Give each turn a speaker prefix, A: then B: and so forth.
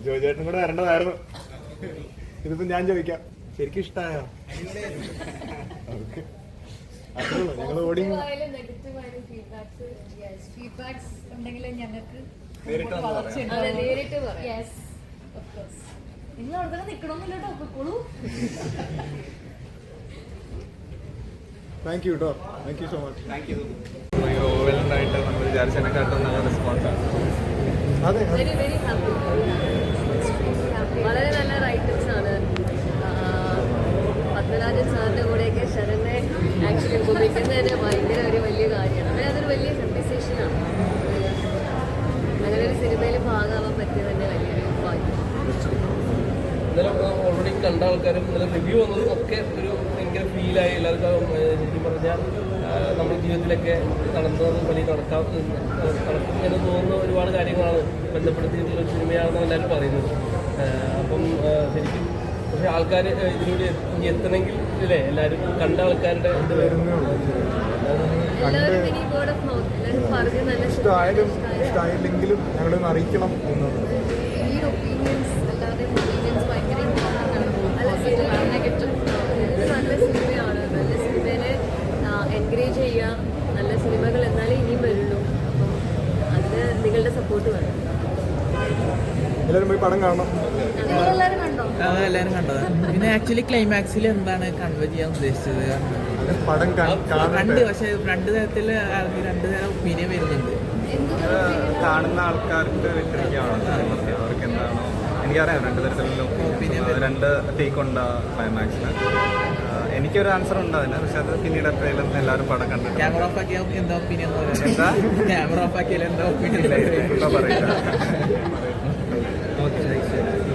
A: ജോജേട്ടനും കൂടെ വരേണ്ടതായിരുന്നു. ഇതിപ്പോ ഞാൻ ചോദിക്കാം, ശരിക്കും ഇഷ്ടമായോ? ഞങ്ങൾ ഓടി
B: ഫീഡ്ബാക്സ് ഉണ്ടെങ്കിൽ ഞങ്ങൾക്ക് നിങ്ങൾ അവിടെ തന്നെ നിൽക്കണമെന്നില്ല കേട്ടോ.
A: താങ്ക് യു കേട്ടോ. Thank you so much.
C: Thank you. ഓവലൻ്റായിട്ട് നമ്മൾ വിചാരിച്ചതിനെക്കാട്ടും നല്ല റെസ്പോൺസാണ്.
A: അതെ,
D: വെരി വെരി ഹാപ്പി. വളരെ നല്ല റൈറ്റേഴ്സ് ആണ്. പത്മരാജൻ സാറിൻ്റെ കൂടെയൊക്കെ ശരണ്യെ ആക്ച്വലി ഉപയോഗിക്കുന്നതിന് ഭയങ്കര ഒരു വലിയ കാര്യമാണ്. അതൊരു വലിയ അപ്രിസിയേഷനാണ്. അങ്ങനെ ഒരു സിനിമയിൽ ഭാഗമാവാൻ പറ്റിയത് തന്നെ വലിയൊരു ഭാഗ്യം.
E: ഇന്നലെ ഓൾറെഡി കണ്ട ആൾക്കാരും ഇന്നലെ റിവ്യൂ വന്നതും ഒക്കെ ഒരു ഭയങ്കര ഫീലായി. എല്ലാവർക്കും ശരിക്കും പറഞ്ഞാൽ നമ്മുടെ ജീവിതത്തിലൊക്കെ നടന്നതും വലിയ നടക്കും എന്ന് തോന്നുന്ന ഒരുപാട് കാര്യങ്ങളാണ് ബന്ധപ്പെടുത്തിയിട്ടുള്ള ഒരു സിനിമയാണെന്ന് എല്ലാവരും പറയുന്നത്. അപ്പം ശരിക്കും പക്ഷേ ആൾക്കാർ ഇതിലൂടെ എത്തണമെങ്കിൽ ഇല്ലേ എല്ലാവരും കണ്ട ആൾക്കാരുടെ ഇത്
D: എല്ലാവരും ഇനി വേർഡ് ഓഫ് മൗത്ത് എല്ലാവരും പറഞ്ഞ് നല്ല
A: ഇഷ്ടമായില്ലെങ്കിലും ഞങ്ങളൊന്ന് അറിയിക്കണം എന്നുള്ളത്.
B: ഈ ഒപ്പീനിയൻസ് എല്ലാവരുടെയും ഒപ്പീനിയൻസ് ഭയങ്കര ഇമ്പോർട്ടൻ്റ് ആണ്.
D: നല്ല സിനിമയാണ്. നല്ല സിനിമേനെ എൻകറേജ് ചെയ്യുക. നല്ല സിനിമകൾ എന്നാലേ ഇനിയും വരുള്ളൂ. അപ്പം അതിന് നിങ്ങളുടെ സപ്പോർട്ട് വേണം.
A: എല്ലാവരും പോയി പടം കാണണം.
B: നിങ്ങളെല്ലാവരും കണ്ടോ?
F: എല്ലാവരും കണ്ടത്. പിന്നെ ആക്ച്വലി ക്ലൈമാക്സിൽ എന്താണ് കൺവേ ചെയ്യാൻ ഉദ്ദേശിച്ചത്?
A: പടം
F: രണ്ട് പക്ഷേ രണ്ട് തരത്തിൽ രണ്ട് തരം ഒപ്പീനിയൻ വരുന്നുണ്ട്.
C: കാണുന്ന ആൾക്കാർക്ക് വിട്ടിരിക്കുകയാണ് അവർക്ക് എന്താണോ എനിക്കറിയാം. രണ്ട് തരത്തിലുള്ള രണ്ട് ടേക്ക് ഉണ്ട് ക്ലൈമാക്സിന്. എനിക്കൊരു ആൻസർ ഉണ്ട് അതിന്. പക്ഷെ അത് പിന്നീട് എപ്പോഴും എല്ലാവരും പടം കണ്ടിട്ട്
F: ക്യാമറ ഓഫ് ആക്കിയാൽ എന്താ ഒപ്പീനിയൻ?
C: എന്താ
F: ക്യാമറ ഓഫ് ആക്കിയാൽ എന്താ ഒപ്പീനിയൻ?
C: പറയില്ല.
F: ഓക്കെ.